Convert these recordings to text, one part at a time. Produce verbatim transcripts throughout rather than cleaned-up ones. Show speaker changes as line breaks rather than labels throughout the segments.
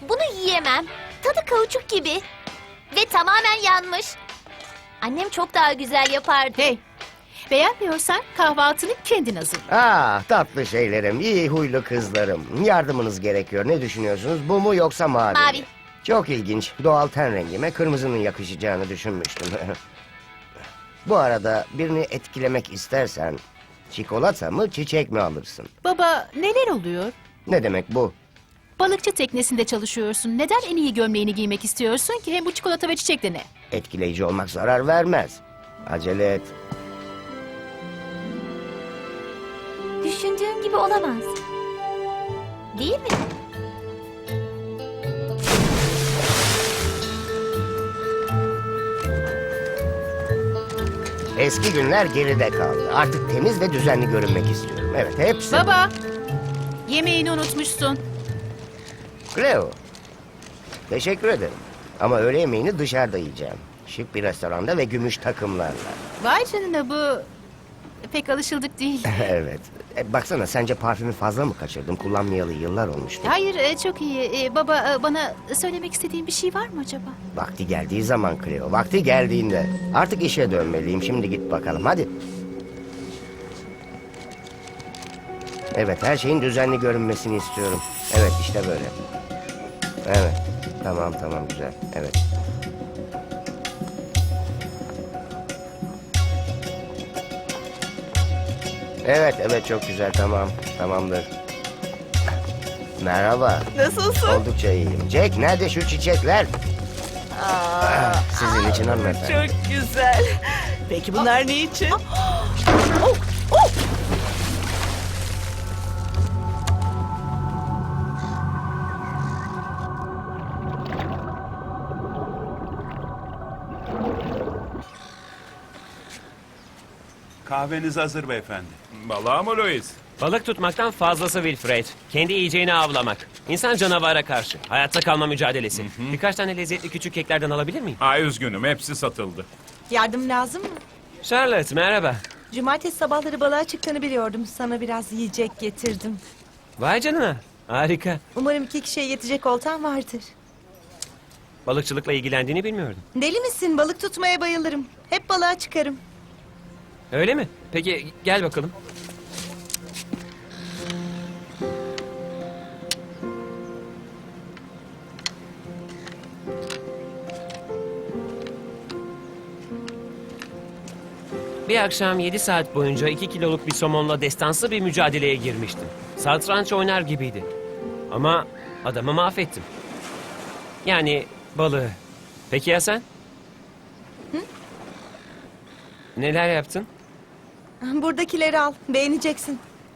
Bunu yiyemem. Tadı kauçuk gibi. Ve tamamen yanmış. Annem çok daha güzel yapardı.
Hey, beğenmiyorsan kahvaltını kendin hazırla.
Ah tatlı şeylerim, iyi huylu kızlarım. Yardımınız gerekiyor. Ne düşünüyorsunuz? Bu mu yoksa mavi mi?
Mavi.
Çok ilginç. Doğal ten rengime kırmızının yakışacağını düşünmüştüm. Bu arada birini etkilemek istersen... çikolata mı çiçek mi alırsın?
Baba, neler oluyor?
Ne demek bu?
Balıkçı teknesinde çalışıyorsun. Neden en iyi gömleğini giymek istiyorsun ki? Hem bu çikolata ve çiçek de ne?
Etkileyici olmak zarar vermez. Acele et.
Düşündüğüm gibi olamaz. Değil mi?
Eski günler geride kaldı. Artık temiz ve düzenli görünmek istiyorum. Evet, hepsi.
Baba, yemeğini unutmuşsun.
Cleo. Teşekkür ederim. Ama öğle yemeğini dışarıda yiyeceğim. Şık bir restoranda ve gümüş takımlarla.
Vay canına, bu pek alışıldık değil.
Evet. E, baksana, sence parfümü fazla mı kaçırdım? Kullanmayalı yıllar olmuştu.
Hayır, e, çok iyi. E, baba, e, bana söylemek istediğin bir şey var mı acaba?
Vakti geldiği zaman Cleo. Vakti geldiğinde. Artık işe dönmeliyim. Şimdi git bakalım. Hadi. Evet, her şeyin düzenli görünmesini istiyorum. Evet, işte böyle. Evet. Tamam, tamam, güzel. Evet. Evet, evet, çok güzel. Tamam, tamamdır. Merhaba.
Nasılsın?
Oldukça iyiyim. Jack, nerede şu çiçekler? Ah, sizin için hanımefendi.
Çok güzel. Peki bunlar ne için?
Kahveniz hazır beyefendi.
Balığa mı Louis?
Balık tutmaktan fazlası Wilfred. Kendi yiyeceğini avlamak. İnsan canavara karşı. Hayatta kalma mücadelesi. Birkaç tane lezzetli küçük keklerden alabilir miyim?
Ay üzgünüm, hepsi satıldı.
Yardım lazım mı?
Charlotte merhaba.
Cumartesi sabahları balığa çıktığını biliyordum. Sana biraz yiyecek getirdim.
Vay canına. Harika.
Umarım iki kişiye yetecek oltan vardır.
Balıkçılıkla ilgilendiğini bilmiyordum.
Deli misin? Balık tutmaya bayılırım. Hep balığa çıkarım.
Öyle mi? Peki gel bakalım. Bir akşam yedi saat boyunca iki kiloluk bir somonla destansı bir mücadeleye girmiştim. Satranç oynar gibiydi. Ama adamı mahvettim. Yani balığı. Peki ya sen?
Hı?
Neler yaptın?
Buradakileri al. Beğeneceksin.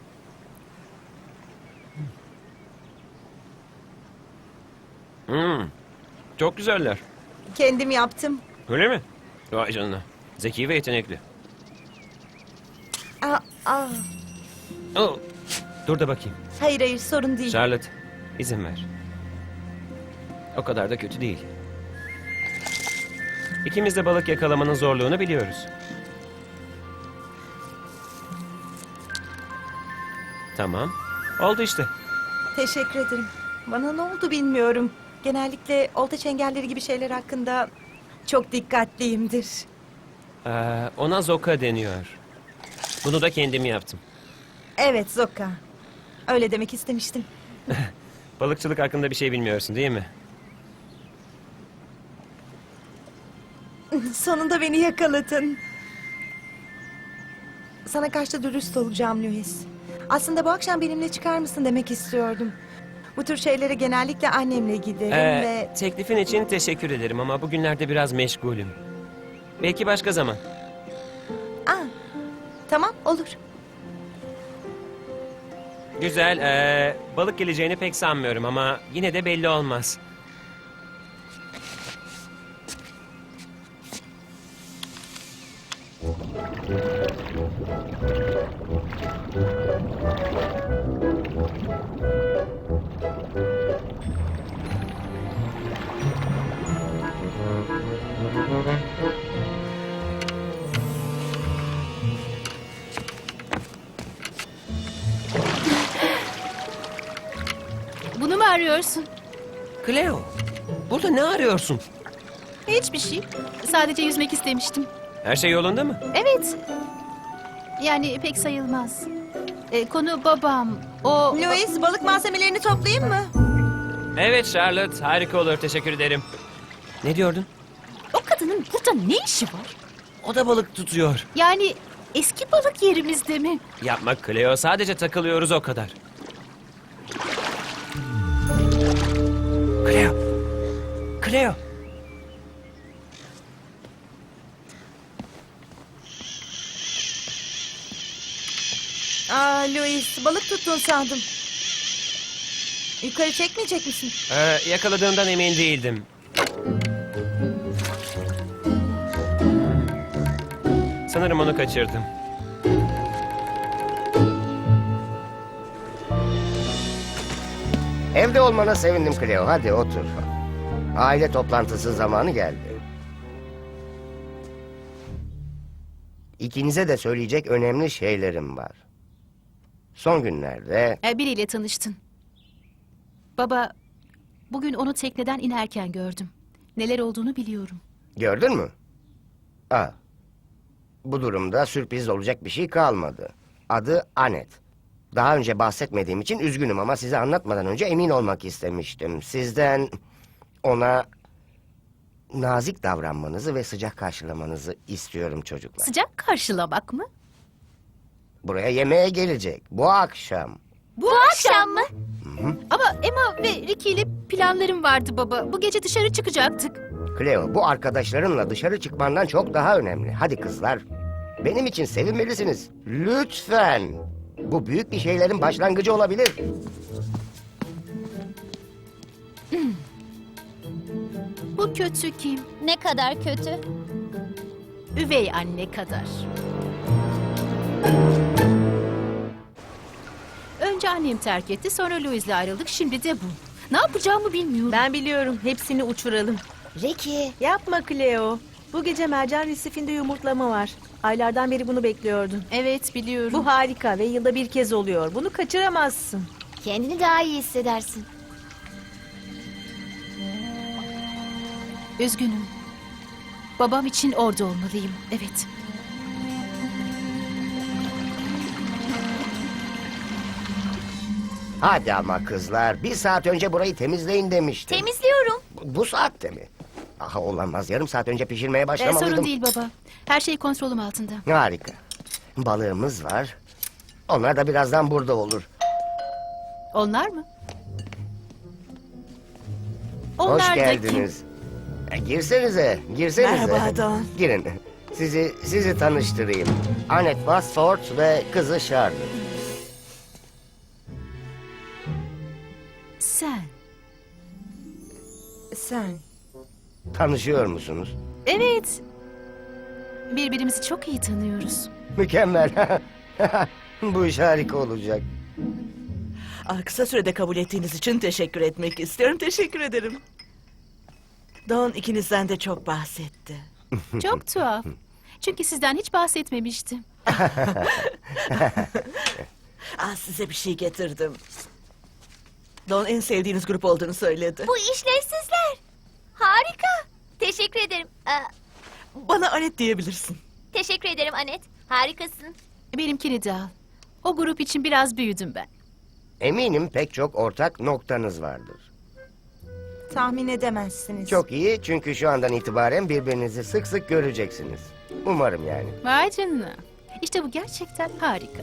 Hmm, çok güzeller.
Kendim yaptım.
Öyle mi? Vay canına. Zeki ve yetenekli.
Aa, aa.
Oh, dur da bakayım.
Hayır hayır sorun değil.
Charlotte, izin ver. O kadar da kötü değil. İkimiz de balık yakalamanın zorluğunu biliyoruz. Tamam. Oldu işte.
Teşekkür ederim. Bana ne oldu bilmiyorum. Genellikle olta çengelleri gibi şeyler hakkında çok dikkatliyimdir.
Ee, ona zoka deniyor. Bunu da kendim yaptım.
Evet Zoka. Öyle demek istemiştim.
Balıkçılık hakkında bir şey bilmiyorsun değil mi?
Sonunda beni yakaladın. Sana karşı dürüst olacağım Louis. Aslında bu akşam benimle çıkar mısın demek istiyordum. Bu tür şeylere genellikle annemle giderim
Ee,
ve...
teklifin için teşekkür ederim ama bugünlerde biraz meşgulüm. Belki başka zaman.
Aa, tamam olur.
Güzel. Ee, balık geleceğini pek sanmıyorum ama yine de belli olmaz.
Bunu mu arıyorsun?
Cleo, burada ne arıyorsun?
Hiçbir şey. Sadece yüzmek istemiştim.
Her şey yolunda mı?
Evet. Yani pek sayılmaz. E, konu babam. O...
Louis, balık malzemelerini toplayayım mı?
Evet Charlotte, harika olur. Teşekkür ederim. Ne diyordun?
O kadının burada ne işi var?
O da balık tutuyor.
Yani eski balık yerimizde mi?
Yapma Cleo, sadece takılıyoruz o kadar. Cleo. Cleo.
Aa Louis, balık tuttun sandım. Yukarı çekmeyecek misin?
Ee, yakaladığımdan emin değildim. Sanırım onu kaçırdım.
Evde olmana sevindim Cleo. Hadi otur. Aile toplantısı zamanı geldi. İkinize de söyleyecek önemli şeylerim var. Son günlerde
E, biriyle tanıştın. Baba, bugün onu tekneden inerken gördüm. Neler olduğunu biliyorum.
gördün mü? Aa, bu durumda sürpriz olacak bir şey kalmadı. Adı Anet. Daha önce bahsetmediğim için üzgünüm ama size anlatmadan önce emin olmak istemiştim. Sizden ona nazik davranmanızı ve sıcak karşılamanızı istiyorum çocuklar.
Sıcak karşılamak mı?
Buraya yemeğe gelecek bu akşam.
Bu,
akşam mı?
Ama Emma ve Ricky ile planlarım vardı baba. Bu gece dışarı çıkacaktık.
Cleo, bu arkadaşlarınla dışarı çıkmandan çok daha önemli. Hadi kızlar, benim için sevinmelisiniz. Lütfen. Bu büyük bir şeylerin başlangıcı olabilir.
Bu kötü kim?
Ne kadar kötü.
Üvey anne kadar. Önce annem terk etti, sonra Louis'le ayrıldık, şimdi de bu. Ne yapacağımı bilmiyorum.
Ben biliyorum, hepsini uçuralım.
Ricky.
Yapma Cleo. Bu gece mercan resifinde yumurtlama var. Aylardan beri bunu bekliyordun.
Evet, biliyorum.
Bu harika ve yılda bir kez oluyor. Bunu kaçıramazsın.
Kendini daha iyi hissedersin.
Üzgünüm. Babam için orada olmalıyım, evet.
Hadi ama kızlar, bir saat önce burayı temizleyin demiştim.
Temizliyorum.
Bu, bu saatte mi? Aha olamaz, yarım saat önce pişirmeye
Ee,
başlamalıydım.
sorun değil baba. Her şey kontrolüm altında.
Harika. Balığımız var. Onlar da birazdan burada olur.
Onlar mı?
Hoş
Onlar da
geldiniz. E, girsenize, girsenize.
Merhaba Don.
Girin. Sizi sizi tanıştırayım. Annette Westford ve kızı Charlotte.
kim? Sen.
Sen.
Tanışıyor musunuz?
Evet. Birbirimizi çok iyi tanıyoruz.
Mükemmel. Bu iş harika olacak.
Ah, kısa sürede kabul ettiğiniz için teşekkür etmek istiyorum. Teşekkür ederim. Don ikinizden de çok bahsetti.
Çok tuhaf. Çünkü sizden hiç bahsetmemiştim.
Ah, size bir şey getirdim. Don en sevdiğiniz grup olduğunu söyledi.
Bu işlevsizler. Harika. Teşekkür ederim. Aa,
Bana Anet diyebilirsin.
teşekkür ederim Anet. Harikasın.
Benimkini de al. O grup için biraz büyüdüm ben.
Eminim pek çok ortak noktanız vardır.
Tahmin edemezsiniz.
Çok iyi çünkü şu andan itibaren birbirinizi sık sık göreceksiniz. Umarım yani.
Vay canına. İşte bu gerçekten harika.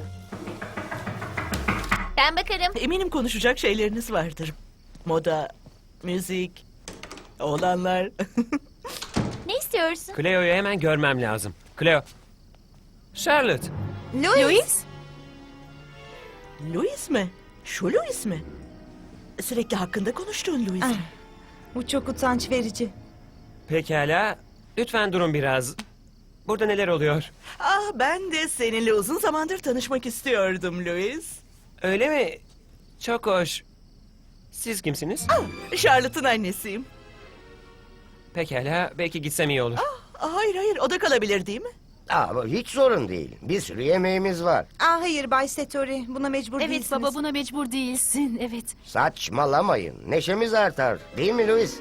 Ben bakarım.
Eminim konuşacak şeyleriniz vardır. Moda, müzik, oğlanlar.
Ne istiyorsun?
Cleo'yu hemen görmem lazım. Cleo. Charlotte.
Louis.
Louis?
Louis mi? Şu Louis mi? Sürekli hakkında konuştuğun Louis.
Ah. Bu çok utanç verici.
Pekala. Lütfen durun biraz. Burada neler oluyor?
Ah, ben de seninle uzun zamandır tanışmak istiyordum Louis.
Öyle mi? Çok hoş. Siz kimsiniz?
Charlotte'ın annesiyim.
Pekala. Belki gitsem iyi olur.
Ah, hayır hayır, o da kalabilir değil mi?
Aa, bu hiç sorun değil. Bir sürü yemeğimiz var.
Aa, hayır Bay Satori, buna mecbur
Evet
değilsiniz.
baba, buna mecbur değilsin. Evet.
Saçmalamayın. Neşemiz artar. Değil mi Louis?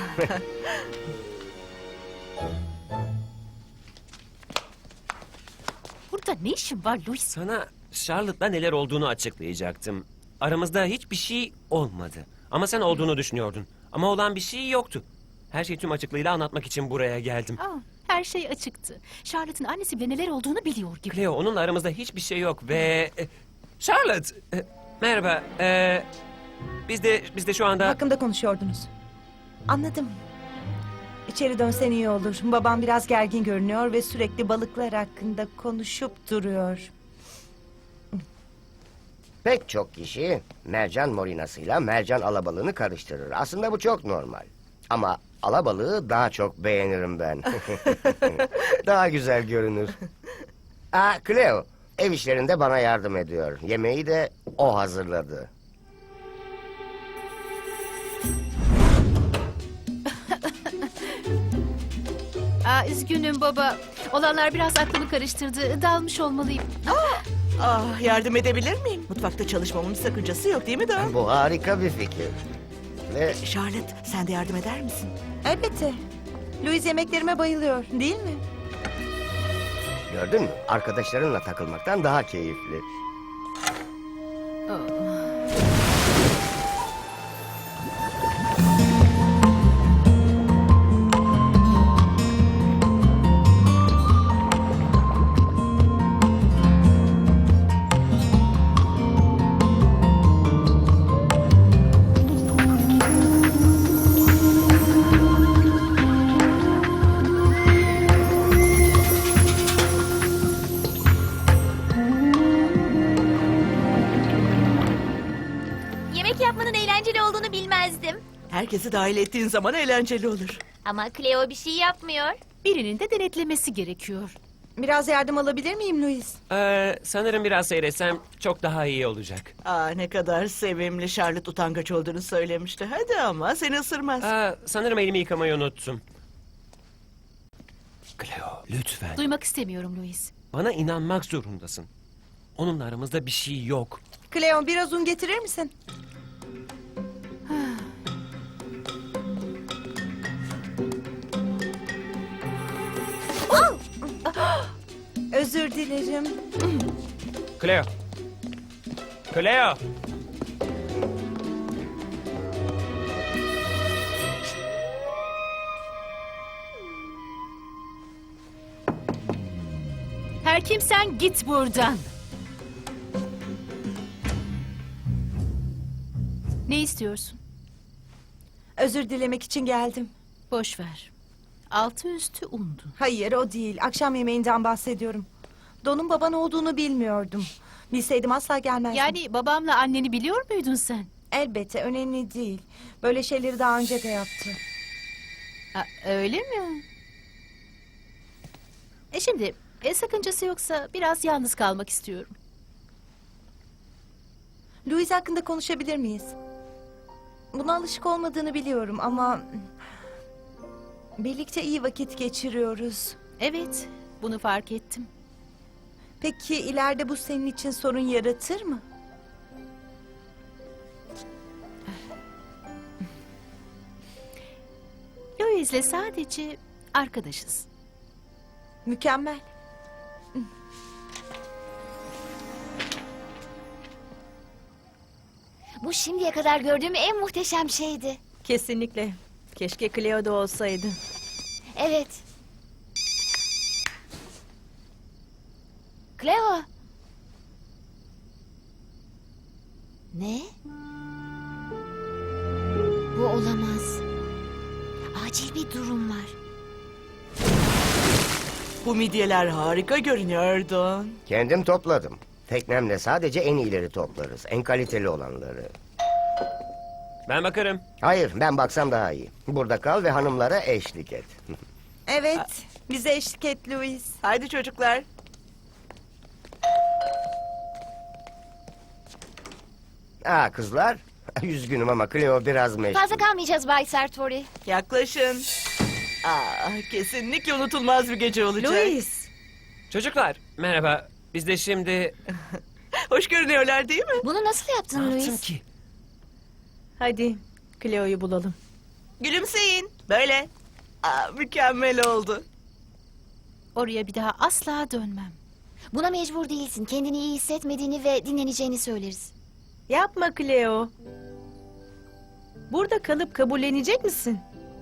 Burada ne işin var Louis?
Sana Charlotte'la neler olduğunu açıklayacaktım. Aramızda hiçbir şey olmadı. Ama sen olduğunu düşünüyordun. Ama olan bir şey yoktu. Her şeyi tüm açıklığıyla anlatmak için buraya geldim.
Aa, her şey açıktı. Charlotte'ın annesi bile neler olduğunu biliyor gibi.
Cleo, onunla aramızda hiçbir şey yok ve... e, Charlotte! e, merhaba. e, biz de biz de şu anda...
Hakkında konuşuyordunuz. Anladım. İçeri dönsen iyi olur. Babam biraz gergin görünüyor ve sürekli balıklar hakkında konuşup duruyor.
Pek çok kişi mercan morinasıyla mercan alabalığını karıştırır. Aslında bu çok normal. Ama alabalığı daha çok beğenirim ben. Daha güzel görünür. Aa, Cleo, ev işlerinde bana yardım ediyor. Yemeği de o hazırladı.
Aa, üzgünüm baba. Olanlar biraz aklımı karıştırdı. Dalmış olmalıyım.
Ah, yardım edebilir miyim? Mutfakta çalışmamın bir sakıncası yok değil mi Dawn?
Bu harika bir fikir. Ve
Charlotte, sen de yardım eder misin?
Elbette. Louis yemeklerime bayılıyor, değil mi?
gördün mü? Arkadaşlarınla takılmaktan daha keyifli.
Yemek yapmanın eğlenceli olduğunu bilmezdim.
Herkesi dahil ettiğin zaman eğlenceli olur.
Ama Cleo bir şey yapmıyor.
Birinin de denetlemesi gerekiyor.
Biraz yardım alabilir miyim Louis?
Ee, sanırım biraz seyretsem çok daha iyi olacak.
Aa, ne kadar sevimli. Charlotte utangaç olduğunu söylemişti. Hadi ama seni ısırmaz.
Aa, sanırım elimi yıkamayı unuttum. Cleo, lütfen.
Duymak istemiyorum Louis.
Bana inanmak zorundasın. Onunla aramızda bir şey yok.
Cleo, biraz un getirir misin? Özür dilerim.
Cleo. Cleo.
Her kimsen git buradan. Ne istiyorsun?
Özür dilemek için geldim.
Boş ver. Altı üstü undu.
Hayır, o değil. Akşam yemeğinden bahsediyorum. Don'un baban olduğunu bilmiyordum. Bilseydim asla gelmezdim.
Yani babamla anneni biliyor muydun sen?
Elbette, önemli değil. Böyle şeyleri daha önce de yaptı.
Ha, öyle mi? E şimdi e, sakıncası yoksa biraz yalnız kalmak istiyorum.
Louis hakkında konuşabilir miyiz? Buna alışık olmadığını biliyorum ama... birlikte iyi vakit geçiriyoruz.
Evet, bunu fark ettim.
Peki ileride bu senin için sorun yaratır mı?
Louis'le sadece arkadaşız.
Mükemmel.
Bu şimdiye kadar gördüğüm en muhteşem şeydi.
Kesinlikle. Keşke Cleo da olsaydı.
Evet. Cleo. Ne? Bu olamaz. Acil bir durum var.
Bu midyeler harika görünüyor Dawn.
Kendim topladım. Teknemle sadece en iyileri toplarız. En kaliteli olanları.
Ben bakarım.
Hayır, ben baksam daha iyi. Burada kal ve hanımlara eşlik et.
Evet, bize eşlik et Louis.
Haydi çocuklar.
Aa kızlar, üzgünüm ama Cleo biraz meşgul.
Fazla kalmayacağız Bay Sartori.
Yaklaşın. Aa, kesinlikle unutulmaz bir gece olacak.
Louis,
Çocuklar merhaba. Biz de şimdi...
Hoş görünüyorlar değil mi?
Bunu nasıl yaptın
Ne yaptım
Louis?
ki?
Hadi Cleo'yu bulalım.
Gülümseyin. Böyle. Aa, mükemmel oldu.
Oraya bir daha asla dönmem.
Buna mecbur değilsin. Kendini iyi hissetmediğini ve dinleneceğini söyleriz.
Yapma Cleo. Burada kalıp kabullenecek misin?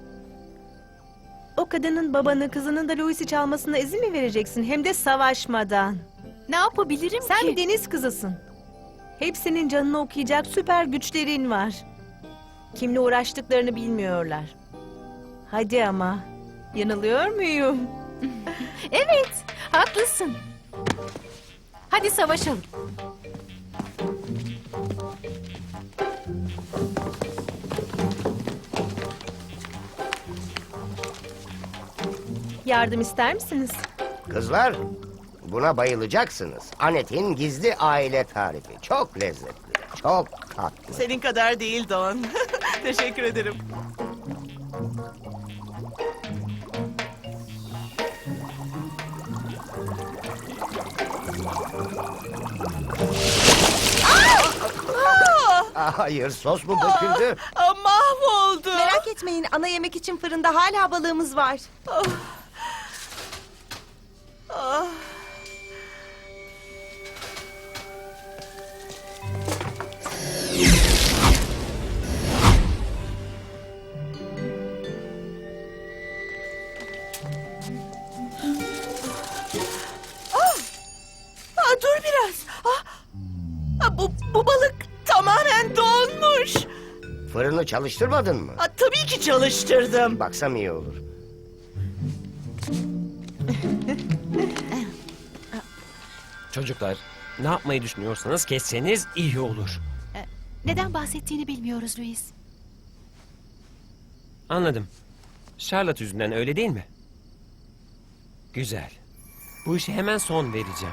O kadının babanı, kızının da Louis'i çalmasına izin mi vereceksin? Hem de savaşmadan.
Ne yapabilirim
Sen
ki?
bir deniz kızısın. Hepsinin canını okuyacak süper güçlerin var. Kimle uğraştıklarını bilmiyorlar. Hadi ama. Yanılıyor muyum?
Evet, haklısın. Hadi savaşalım.
Yardım ister misiniz?
Kızlar, buna bayılacaksınız. Anet'in gizli aile tarifi. Çok lezzetli, çok tatlı.
Senin kadar değil Don. Teşekkür ederim.
Aa, hayır, sos mu döküldü?
Aa, mahvoldu.
Merak etmeyin, ana yemek için fırında hala balığımız var.
Ah. Ah! Ah, dur biraz. Ah! Ah, bu, bu balık tamamen donmuş.
Fırını çalıştırmadın mı?
Ah, tabii ki çalıştırdım.
Baksam iyi olur.
Çocuklar ne yapmayı düşünüyorsanız kesseniz iyi olur.
Neden bahsettiğini bilmiyoruz Louis.
Anladım. Charlotte yüzünden öyle değil mi? Güzel. Bu işe hemen son vereceğim.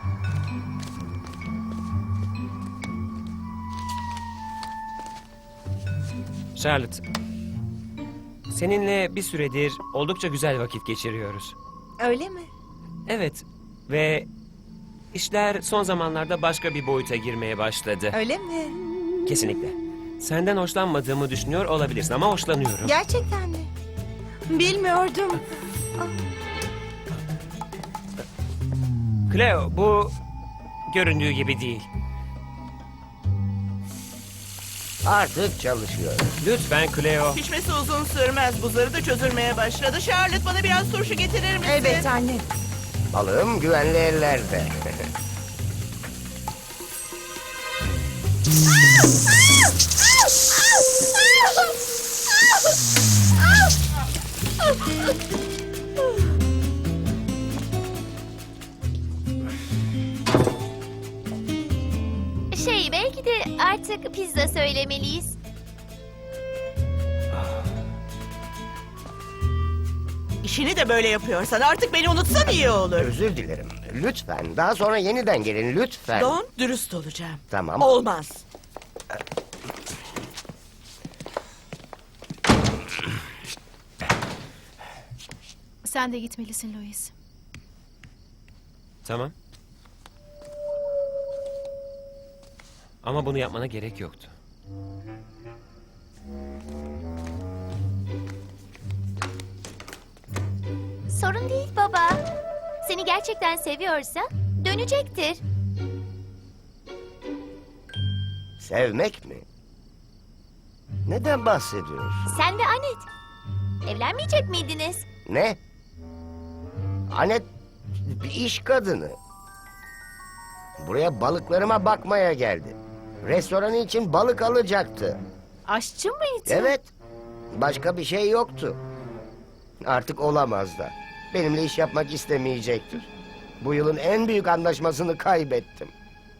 Charlotte, seninle bir süredir oldukça güzel vakit geçiriyoruz.
Öyle mi?
Evet ve işler son zamanlarda başka bir boyuta girmeye başladı.
Öyle mi?
Kesinlikle. Senden hoşlanmadığımı düşünüyor olabilirsin ama hoşlanıyorum.
Gerçekten mi? Bilmiyordum.
Cleo, bu göründüğü gibi değil.
Artık çalışıyor.
Lütfen Cleo.
Pişmesi uzun sürmez. Buzları da çözülmeye başladı. Charlotte, bana biraz turşu getirir misin?
Evet anne.
Balığım güvenli ellerde.
Şey, belki de artık pizza söylemeliyiz.
İşini de böyle yapıyorsan artık beni unutsan iyi olur.
Özür dilerim. Lütfen. Daha sonra yeniden gelin lütfen.
Don, dürüst olacağım.
Tamam.
Olmaz.
Sen de gitmelisin Louis.
Tamam. Ama bunu yapmana gerek yoktu.
Sorun değil baba. Seni gerçekten seviyorsa dönecektir.
Sevmek mi? Neden bahsediyorsun?
Sen ve Anet. Evlenmeyecek miydiniz?
Ne? Anet bir iş kadını. Buraya balıklarıma bakmaya geldi. Restoranı için balık alacaktı.
Aşçı mıydı?
Evet. Başka bir şey yoktu. Artık olamaz da. Benimle iş yapmak istemeyecektir. Bu yılın en büyük anlaşmasını kaybettim.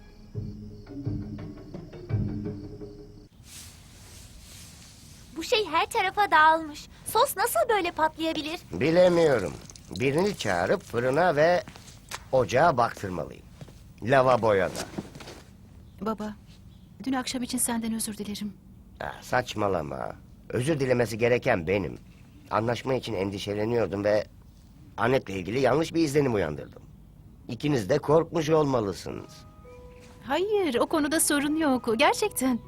Bu şey her tarafa dağılmış. Sos nasıl böyle patlayabilir?
Bilemiyorum. Birini çağırıp fırına ve ocağa baktırmalıyım. Lavaboya da.
Baba, dün akşam için senden özür dilerim.
Ah, saçmalama. Özür dilemesi gereken benim. Anlaşma için endişeleniyordum ve Annet'le ilgili yanlış bir izlenim uyandırdım. İkiniz de korkmuş olmalısınız.
Hayır, o konuda sorun yok. Gerçekten.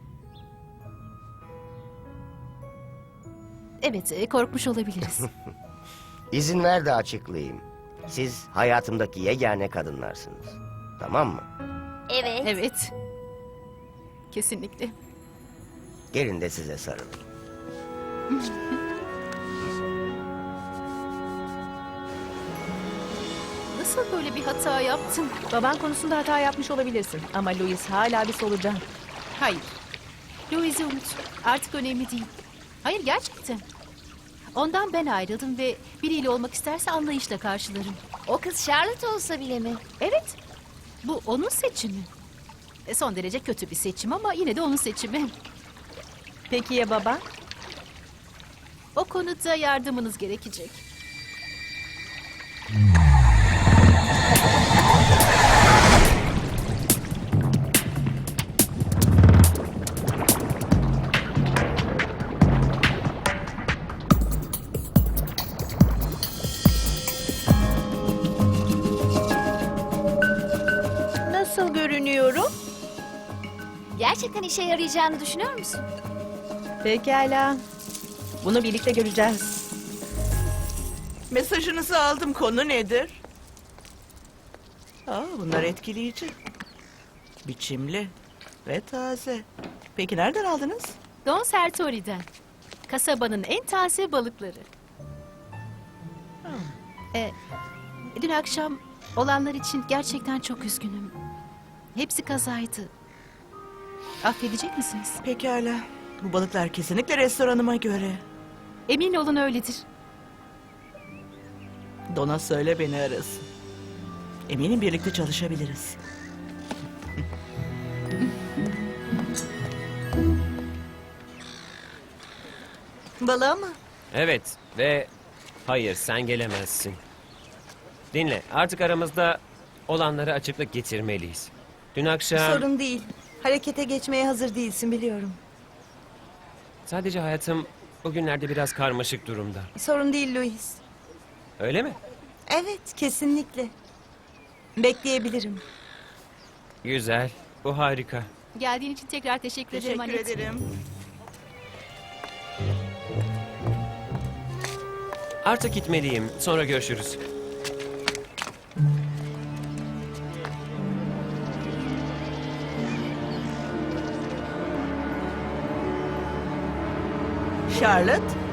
Evet, e, korkmuş olabiliriz.
İzin ver de açıklayayım. Siz hayatımdaki yegane kadınlarsınız. Tamam mı?
Evet.
Evet. Kesinlikle.
Gelin de size sarılayım.
Nasıl böyle bir hata yaptın?
Baban konusunda hata yapmış olabilirsin. Ama Louis hala bir solucan.
Hayır. Louise'i unut. Artık önemli değil. Hayır, gerçekten. Ondan ben ayrıldım ve biriyle olmak isterse anlayışla karşılarım.
O kız Charlotte olsa bile mi?
Evet. Bu onun seçimi. E, son derece kötü bir seçim ama yine de onun seçimi.
Peki ya baba?
O konuda yardımınız gerekecek.
Nasıl görünüyorum?
Gerçekten işe yarayacağını düşünüyor musun?
Pekala. Bunu birlikte göreceğiz.
Mesajınızı aldım. Konu nedir? Aa, bunlar etkileyici. Biçimli ve taze. Peki nereden aldınız?
Don Sertori'den. Kasabanın en taze balıkları. E, dün akşam olanlar için gerçekten çok üzgünüm. Hepsi kazaydı. Affedecek misiniz?
Pekala. Bu balıklar kesinlikle restoranıma göre.
Emin olun öyledir.
Dona söyle beni arasın. Eminim birlikte çalışabiliriz.
Balığa mı?
Evet ve hayır sen gelemezsin. Dinle artık aramızda olanları açıklık getirmeliyiz. Dün akşam
Sorun değil. Harekete geçmeye hazır değilsin biliyorum.
sadece hayatım bugünlerde biraz karmaşık durumda.
Sorun değil Louis.
Öyle mi?
Evet, kesinlikle. Bekleyebilirim.
Güzel. Bu harika.
Geldiğin için tekrar teşekkür, ederim
Teşekkür
Annette.
ederim.
Artık gitmeliyim. Sonra görüşürüz.
Charlotte,